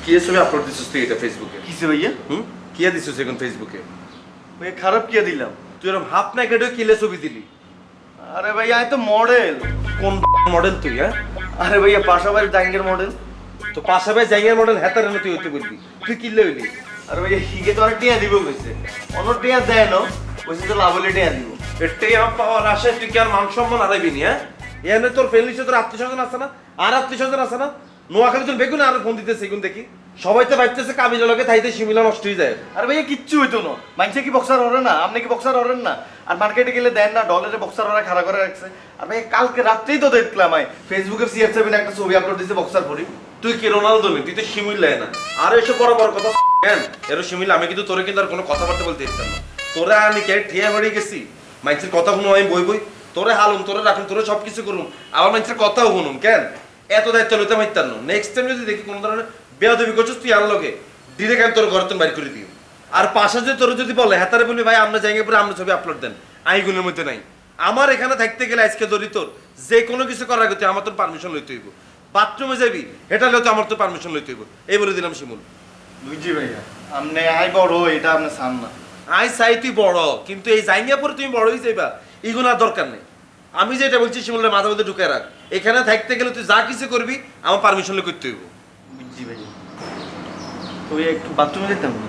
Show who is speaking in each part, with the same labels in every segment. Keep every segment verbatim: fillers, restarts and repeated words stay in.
Speaker 1: কি ছবি আপলোড দিছিস তুই এটা ফেসবুকে?
Speaker 2: কিসে ভাইয়া?
Speaker 1: হুম কিয়া দিছিস এখন ফেসবুকে?
Speaker 2: ভাইয়া খারাপ কিয়া দিলাম?
Speaker 1: তুই এরকম হাফ নাইকেডে কিলে ছবি দিলি?
Speaker 2: আরে ভাইয়া আমি তো মডেল।
Speaker 1: কোন মডেল তুই? হ্যাঁ
Speaker 2: আরে ভাইয়া পাশাপাশি জাঙ্গের মডেল।
Speaker 1: তো পাশাপাশি জায়গার মডেল হেতার তুই হইতে বলবি, তুই কিনলে হইলি?
Speaker 2: আরে ভাইয়া হিগে তো আর টিয়া দিব কইছে, অন্য টিয়া দেয় না, কইছে তো লাভ হলে টিয়া দিব।
Speaker 1: এটাই আমার পাওয়ার আশায় তুই কি আর মান সম্মান হারাইবি নি? হ্যাঁ এখানে তোর ফ্যামিলি তোর আত্মীয় স্বজন আছে না, আর আত্মীয় স্বজন আছে না? নোয়াখালী তোর বেগুন আর ফোন দিতেছে এখন দেখি সবাই তো ভাবতেছে কাবিলা লগে থাইতে শিমিলা নষ্ট হয়ে যায়।
Speaker 2: আরে ভাইয়া কিচ্ছু হইতো না, মাইনসে কি বক্সার হরে না, আপনি কি বক্সার হরেন না? আর মার্কেটে গেলে দেন না, ডলারে বক্সার হরে খাড়া করে রাখছে। আর ভাইয়া কালকে রাত্রেই তো দেখলাম আমি ফেসবুকে সিআর সেভেন একটা ছবি আপলোড দিছে বক্সার পরি।
Speaker 1: তুই কি রোনালদো নি? তুই তো শিমিলাই না। আর এসব বড় বড় কথা কেন এর শিমিলা? আমি কিন্তু তোরে কিন্তু আর কোনো কথাবার্তা বলতে দিতাম না। তোরা আমি কে ঠিয়া বাড়ি গেছি মাইন্সের কথা শুনো, আমি বই বই তোরে হালুম, তোরে রাখুন, তোরে সব কিছু করুম, আবার মাইন্সের কথাও শুনুম কেন? এত দায়িত্ব লইতে পারতাম না। নেক্সট টাইম যদি দেখি কোনো ধরনের বেয়াদবি করছিস তুই আর লগে ডিরেক্ট আমি তোর ঘরে তুমি বাইর করে দিই। আর পাশে যদি তোর যদি বলে হ্যাঁ তারে বলবি ভাই আমরা জায়গায় পরে আমরা ছবি আপলোড দেন, আইগুনের মধ্যে নাই। আমার এখানে থাকতে গেলে আজকে ধরি তোর যে কোনো কিছু করার আগে তুই আমার তোর পারমিশন লইতে হইব। বাথরুমে যাবি এটা হলে তো আমার তো পারমিশন লইতে হইব। এই বলে দিলাম শিমুল।
Speaker 2: বুঝছি ভাইয়া, আপনি আই বড় এটা আপনি চান না।
Speaker 1: আই চাই তুই বড়, কিন্তু এই জায়গা পরে তুমি বড় হয়ে যাইবা এগুলো আর দরকার নেই। আমি যেটা বলছি শিমুলের মাথা মধ্যে ঢুকে রাখ, এখানে থাকতে গেলে তুই যা কিছু করবি আমার পারমিশন লই করতে হইব।
Speaker 2: বুঝছি ভাইয়া, তো ভাইয়া একটু বাথরুমে যেতাম না?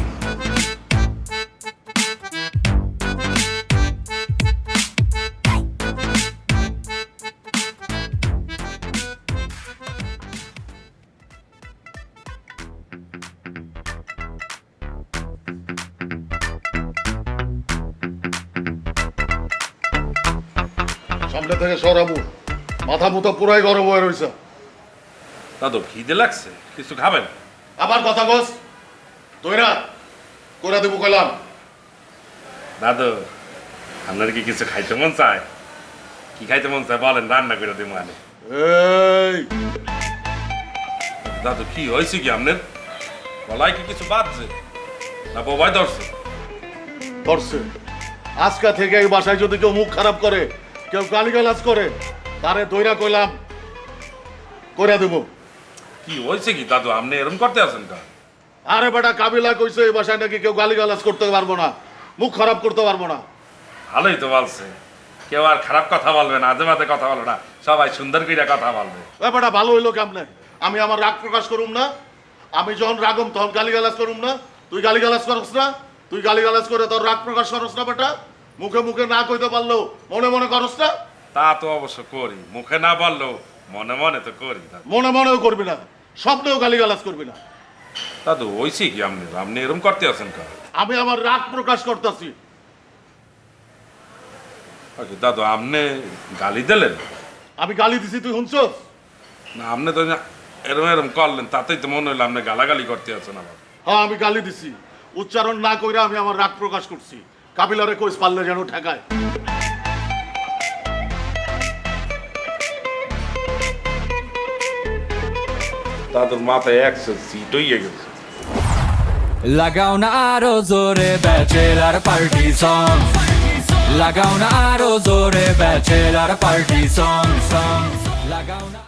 Speaker 3: সামনে থেকে সরাবো, মাথা মুথা পুরাই গরম হয়ে রয়েছে।
Speaker 4: দাদু খিদে লাগছে, কিছু খাবেন?
Speaker 3: আবার কথা কস তোরা করে দেবো কইলাম।
Speaker 4: দাদু আপনার কি কিছু খাইতে মন চায়? কি খাইতে মন চায় বলেন, রান্না করে দেবো। মানে
Speaker 3: এই
Speaker 4: দাদু কি হয়েছে কি আপনার? গলায় কি কিছু বাজছে না বোবাই ধরছে?
Speaker 3: ধরছে। আজকা থেকে এই বাসায় যদি কেউ মুখ খারাপ করে, কেউ গালিগালাজ করে, তারে দইরা কইলাম করে দেবো।
Speaker 4: কি হয়েছে কি দাদু আপনি এরকম করতে আছেন কা?
Speaker 3: আরে বেটা কাবিলা কইছে এই বাসায় নাকি কেউ গালিগালাজ করতে পারবো না, মুখ খারাপ করতে পারবো না।
Speaker 4: ভালোই তো বলছে, কেউ আর খারাপ কথা বলবে না, আজে বাজে কথা বলবে না, সবাই সুন্দর করে কথা বলবে।
Speaker 3: এ বেটা ভালো হইলো কেমনে? আমি আমার রাগ প্রকাশ করুম না? আমি যখন রাগম তখন গালিগালাজ করুম না? তুই গালিগালাজ করস না? তুই গালিগালাজ করে তোর রাগ প্রকাশ করস না বেটা? মুখে মুখে না কইতে পারলেও মনে মনে করস না?
Speaker 4: তা তো অবশ্য করি, মুখে না বললেও মনে মনে তো করি দাদু।
Speaker 3: মনে মনেও করবি না, স্বপ্নেও গালিগালাজ করবি না।
Speaker 4: দাদু হয়েছে কি আপনি আপনি এরকম করতে আছেন কা?
Speaker 3: আমি আমার রাগ প্রকাশ করতেছি।
Speaker 4: আচ্ছা, দাদু আপনি গালি দিলেন?
Speaker 3: আমি গালি দিছি তুই শুনছস?
Speaker 4: না আপনি তো এরম এরম করলেন, তাতেই তো মনে হইলো আপনি গালাগালি করতে আছেন আবার।
Speaker 3: হ্যাঁ আমি গালি দিছি, উচ্চারণ না কইরা আমি আমার রাগ প্রকাশ করছি। কাবিলারে কইস পারলে যেন ঠেকায়।
Speaker 4: দাদুর মাথায় একশো সিট হইয়া গেছে।
Speaker 5: লাগাও না আরো জোরে ব্যাচেলার পার্টি সং, লাগাও না আরো জোরে ব্যাচেলার পার্টি সং সং, লাগাও না।